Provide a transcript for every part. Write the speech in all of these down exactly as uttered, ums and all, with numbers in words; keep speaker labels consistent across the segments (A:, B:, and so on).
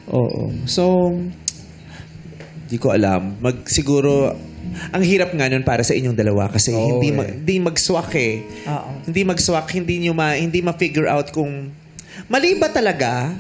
A: Oo. So, di ko alam. Mag, siguro, ang hirap nga nun para sa inyong dalawa kasi
B: Oo,
A: hindi,
B: eh.
A: ma- hindi mag-swak eh.
C: Oo.
A: Hindi mag-swak, hindi nyo ma, hindi ma-figure out kung mali ba talaga.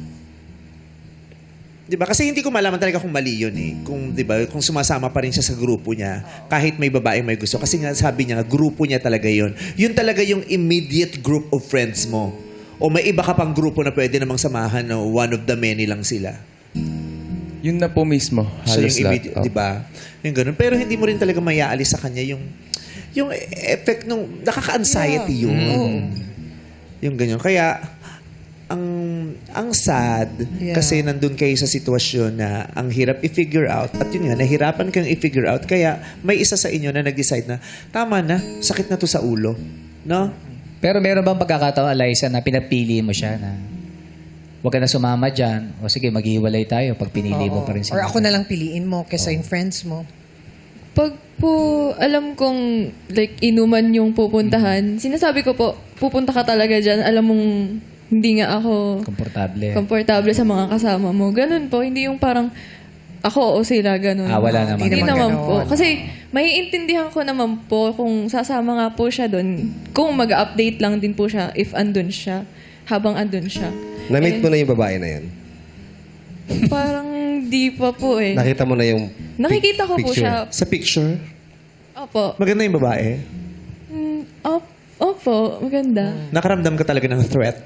A: Di ba? Kasi hindi ko malaman talaga kung mali yun eh. Kung, di ba, kung sumasama pa rin siya sa grupo niya, kahit may babaeng may gusto. Kasi nga sabi niya, grupo niya talaga yun. Yun talaga yung immediate group of friends mo. O may iba ka pang grupo na pwede namang samahan na one of the many lang sila.
D: Yun na po mismo.
A: So
D: Halos
A: yung
D: lahat.
A: immediate, di ba? Yung ganun. Pero hindi mo rin talaga mayaalis sa kanya yung yung effect nung nakaka-anxiety yun. Yung ganyan. Kaya ang ang sad
C: Yeah.
A: kasi nandun kayo sa sitwasyon na ang hirap i-figure out at yun nga, nahirapan kang i-figure out kaya may isa sa inyo na nag-decide na tama na, sakit na to sa ulo. No?
B: Pero meron bang pagkakataon, Eliza, na pinapili mo siya na huwag ka na sumama dyan o sige, maghiwalay tayo pag pinili mo
C: Oo.
B: pa rin
C: Or
B: sila?
C: ako na lang piliin mo kesa yung friends mo.
E: Pag po, alam kong like inuman yung pupuntahan, sinasabi ko po, pupunta ka talaga dyan, alam mong hindi nga ako
B: Komportable.
E: komportable sa mga kasama mo. Ganun po, hindi yung parang ako o sila, ganun.
B: Ah, wala naman.
E: Hindi
C: Hindi
E: naman
C: naman
E: po.
C: ganun.
E: Kasi maiintindihan ko naman po kung sasama nga po siya doon, kung mag-update lang din po siya if andun siya, habang andun siya.
F: Na-meet
E: Eh,
F: mo na yung babae na yun?
E: Parang di pa po eh.
F: Nakita mo na yung
E: Nakikita ko po
F: picture?
E: siya.
A: Sa picture,
E: Opo.
A: maganda yung babae.
E: Mm, op, opo, maganda.
A: Nakaramdam ka talaga ng threat.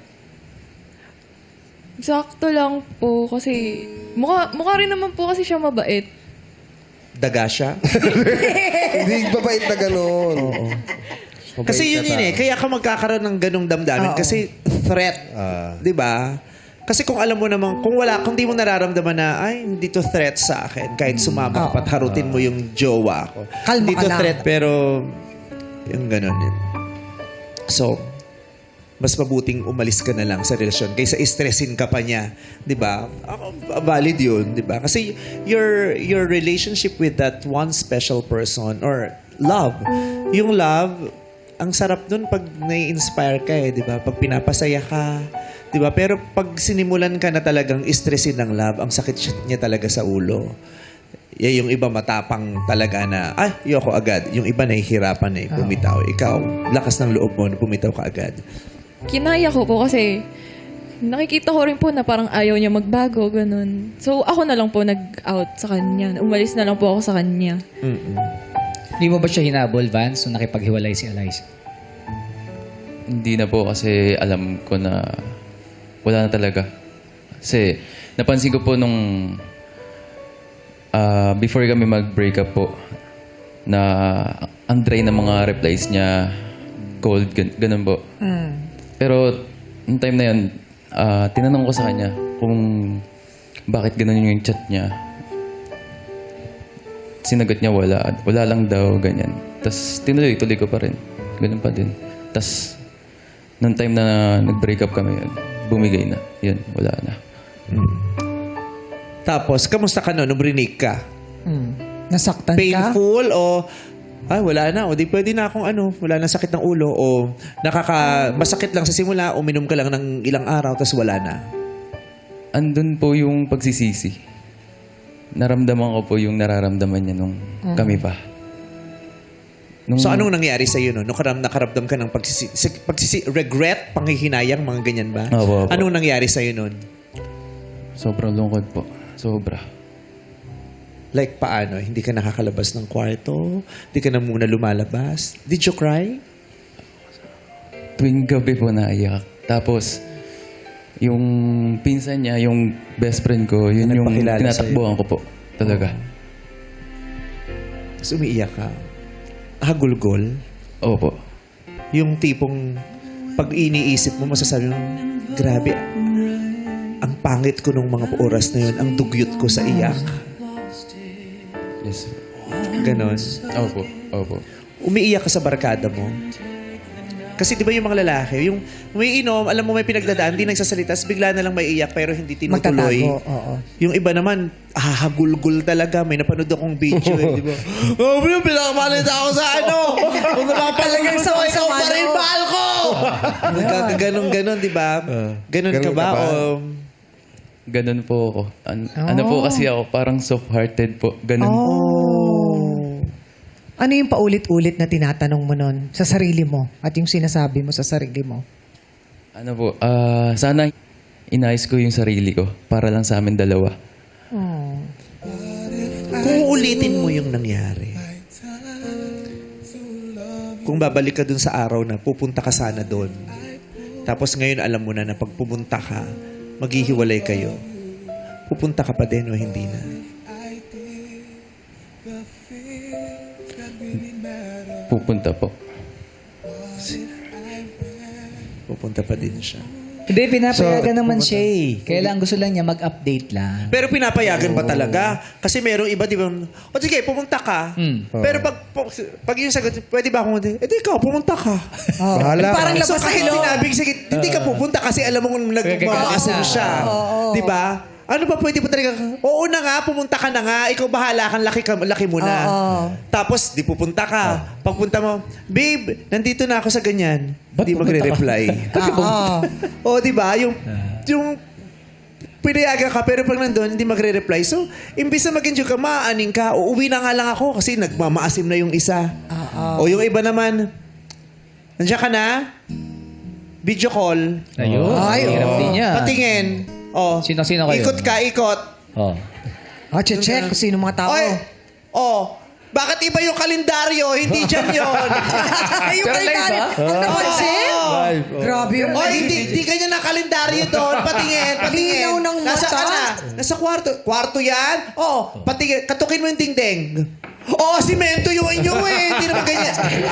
E: Sakto lang po kasi mukha, mukha rin naman po kasi siya mabait.
A: Daga siya.
F: Hindi babait na gano'n. Mabait
A: Kasi yun
F: na
A: yun eh.
F: tao.
A: Kaya ka magkakaroon ng ganong damdamin.
C: Oo.
A: Kasi threat.
F: Ah.
A: Di ba? Kasi kung alam mo naman, kung wala, kung di mo nararamdaman na, ay, hindi to threat sa akin. Kahit sumama ka
C: Oo.
A: pat harutin mo yung jowa ko.
C: Kalma
A: Hindi
C: ka
A: to
C: lang.
A: threat, pero yung ganon yun. So, mas mabuting umalis ka na lang sa relasyon kaysa stressin ka pa niya, 'di ba? Ako, valid 'yun, 'di ba? Kasi your your relationship with that one special person or love, yung love, ang sarap dun pag nai-inspire ka eh, 'di ba? Pag pinapasaya ka, 'di ba? Pero pag sinimulan ka na talagang stressin ng love, ang sakit niya talaga sa ulo. Yeah, yung iba matapang talaga na, ay, yoko agad. Yung iba nahihirapan eh, pumitaw. Ikaw, lakas ng loob mo na pumitaw ka agad.
E: Kinaya ko po kasi nakikita ko rin po na parang ayaw niya magbago, ganun. So, ako na lang po nag-out sa kanya. Umalis na lang po ako sa kanya.
A: Mm-mm.
B: Hindi mo ba siya hinabol, Vance, nung nakipaghiwalay si Eliza?
D: Hindi na po kasi alam ko na wala na talaga. Kasi napansin ko po nung ah, before kami mag-break up po na ang dry na mga replies niya, cold, gan- ganun po.
C: Mm.
D: Pero, nung time na yun, ah, tinanong ko sa kanya kung bakit ganun yung chat niya. Sinagot niya wala. Wala lang daw, ganyan. Tapos, tinuloy-tuloy ko pa rin. Ganun pa din. Tapos, nung time na nag-break up kami yun, bumigay na. Yun, wala na.
A: Tapos, kamusta ka no, nung rinig ka?
C: Mm. Nasaktan ka?
A: Painful o, ay, wala na. O, di pwede na akong ano, wala na sakit ng ulo. O, nakaka, masakit lang sa simula, uminom ka lang ng ilang araw, tapos wala na.
D: Andun po yung pagsisisi. Naramdaman ko po yung nararamdaman niya nung kami pa. Nung,
A: So, anong nangyari sa iyo no? Nung karam, nakaramdam ka ng pagsisi, si- pagsisi, regret, panghihinayang, mga ganyan ba?
D: Opo, opo.
A: Anong nangyari sa iyo nun?
D: Sobrang lungkot po. Sobra.
A: Like, paano? Hindi ka nakakalabas ng kwarto? Hindi ka na muna lumalabas? Did you cry?
D: Tuwing gabi po naiyak. Tapos, yung pinsan niya, yung best friend ko, yun yung
A: Nagpakilala
D: tinatakbuhan ko po. Talaga.
A: Tapos umiiyak ka. Hagulgol.
D: Opo.
A: Yung tipong pag iniisip mo, masasabi mo, grabe, ang pangit ko nung mga oras na yun, ang dugyot ko sa iyak.
D: Yes.
A: Ganon.
D: Opo. Opo.
A: Umiiyak ka sa barkada mo. Kasi di ba yung mga lalaki, yung umiinom, alam mo may pinagdadaan, hindi nagsasalita, tapos bigla na lang may iyak pero hindi tinutuloy.
C: Magtatago, oo.
A: Yung iba naman, hahagulgul talaga. May napanood akong video, eh, di ba? Oh, bro, pinakapalit ako sa ano. Kung napapalagay
C: Talagang
A: sa ikaw
C: sama-sama,
A: pa rin,
C: no?
A: mahal ko. Ganon, ganon, di ba? Ganon ka
F: Ganon
A: ba?
F: ka ba?
A: O,
D: Ganun po ako. An- Ano po kasi ako, parang soft-hearted po. Ganun po.
C: Oh. Ano yung paulit-ulit na tinatanong mo nun sa sarili mo at yung sinasabi mo sa sarili mo?
D: Ano po, ah, sana inayos ko yung sarili ko para lang sa amin dalawa.
C: Oh.
A: Kung ulitin mo yung nangyari, kung babalik ka dun sa araw na pupunta ka sana dun, tapos ngayon alam mo na na pag pumunta ka, maghihiwalay kayo, pupunta ka pa din o hindi na?
D: Pupunta po.
A: Pupunta pa din siya.
B: Hindi, pinapayagan naman siya eh. Kailangan gusto lang niya mag-update lang.
A: Pero pinapayagan ba talaga? Kasi merong iba, di ba? O sige, pumunta ka.
B: Hmm.
A: Pero pag, pag yung sagot, pwede ba akong, eh di ikaw, pumunta ka.
F: Bahala
C: Parang
F: ka.
A: So
C: labas
A: kahit
C: sa
A: sinabing, sige, hindi ka pupunta kasi alam mo kung nagmamaasong siya. Di ba? Ano ba pwede pa talaga? Oo na nga, pumunta ka na nga. Ikaw bahala kang laki, ka, laki mo na.
C: Oo.
A: Tapos, di pupunta ka. Pagpunta mo, babe, nandito na ako sa ganyan.
B: Ba't
A: Hindi
B: pupunta
A: magre-reply.
C: Oo.
A: O, di ba? Yung, yung pinayagan ka, pero pag nandun, hindi magre-reply. So, imbis na mag-enjoy ka, maaaning ka, uuwi na nga lang ako kasi nagmamaasim na yung isa. O yung iba naman, nandiyan ka na, video call,
B: Ayun.
C: Ay,
B: hirap
C: oo.
B: din niya.
A: patingin. O,
B: Sino-sino kayo?
A: ikot ka, ikot.
B: Oh.
C: Oh, check kung sino mga tao.
A: Oy, oh, bakit iba yung kalendaryo? Hindi dyan yun.
C: yung kalendaryo. Ang napansin? Grabe yung...
A: Oy, hindi, hindi ganyan ang kalendaryo doon. Patingin, patingin.
C: Linaw ng
A: Nasa
C: mata.
A: ka na? Nasa kwarto. Kwarto yan? Oh, patingin. Katukin mo yung dingding. Oo, oh, simento yung inyo eh. Hindi naman ganyan.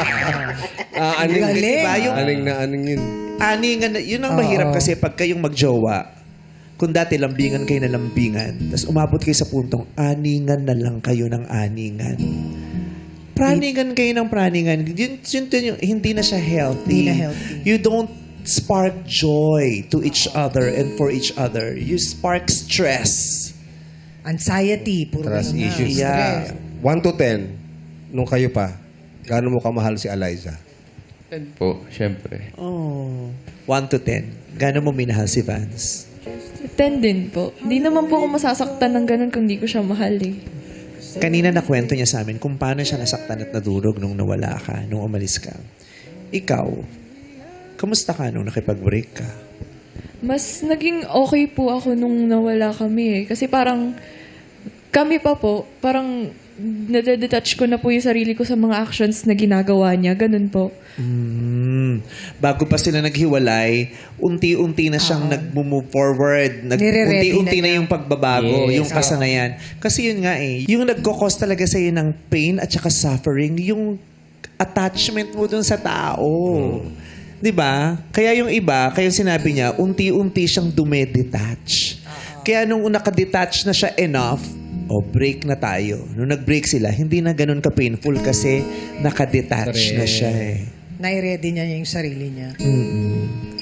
F: Ah, aning,
C: Galing.
A: Diba? Yung
F: aning na aning yun.
A: aningan, na- yun ang mahirap kasi pag kayong magjowa, kung dati lambingan kayo na lambingan, tapos umabot kayo sa puntong aningan na lang kayo ng aningan. Praningan kayo ng praningan. Yun, yun, yun, yun, hindi na siya healthy.
C: Hindi na healthy.
A: You don't spark joy to each other and for each other. You spark stress.
C: Anxiety. Puro
F: Trust
C: ganun na.
F: issues.
A: Yeah.
F: one to ten, nung kayo pa, gaano mo kamahal si Eliza?
D: Ten po, syempre.
A: Oh. One to ten. Gano'n mo minahal si Vance?
E: Ten din po. Hindi naman po ako masasaktan ng ganun kung di ko siya mahal eh.
A: Kanina nakwento niya sa amin kung paano siya nasaktan at nadurog nung nawala ka, nung umalis ka. Ikaw, kamusta ka nung nakipag-break ka?
E: Mas naging okay po ako nung nawala kami eh. Kasi parang kami pa po, parang nadedetach ko na po yung sarili ko sa mga actions na ginagawa niya. Ganun po.
A: Mm. Bago pa sila naghiwalay, unti-unti na siyang nag-move forward. Nag-
C: Nire-ready
A: unti-unti
C: na
A: na, yung pagbabago,
B: Yes.
A: yung kasanayan. Kasi yun nga eh, yung nagkakos talaga sa'yo ng pain at saka suffering, yung attachment mo dun sa tao. Di ba? Kaya yung iba, kaya sinabi niya, unti-unti siyang dumedetach. Kaya nung nakadetach na siya enough, o break na tayo. Nung nag-break sila, hindi na ganun ka-painful kasi nakadetach na siya eh.
C: Nai-ready niya yung sarili niya.
A: Mm-mm.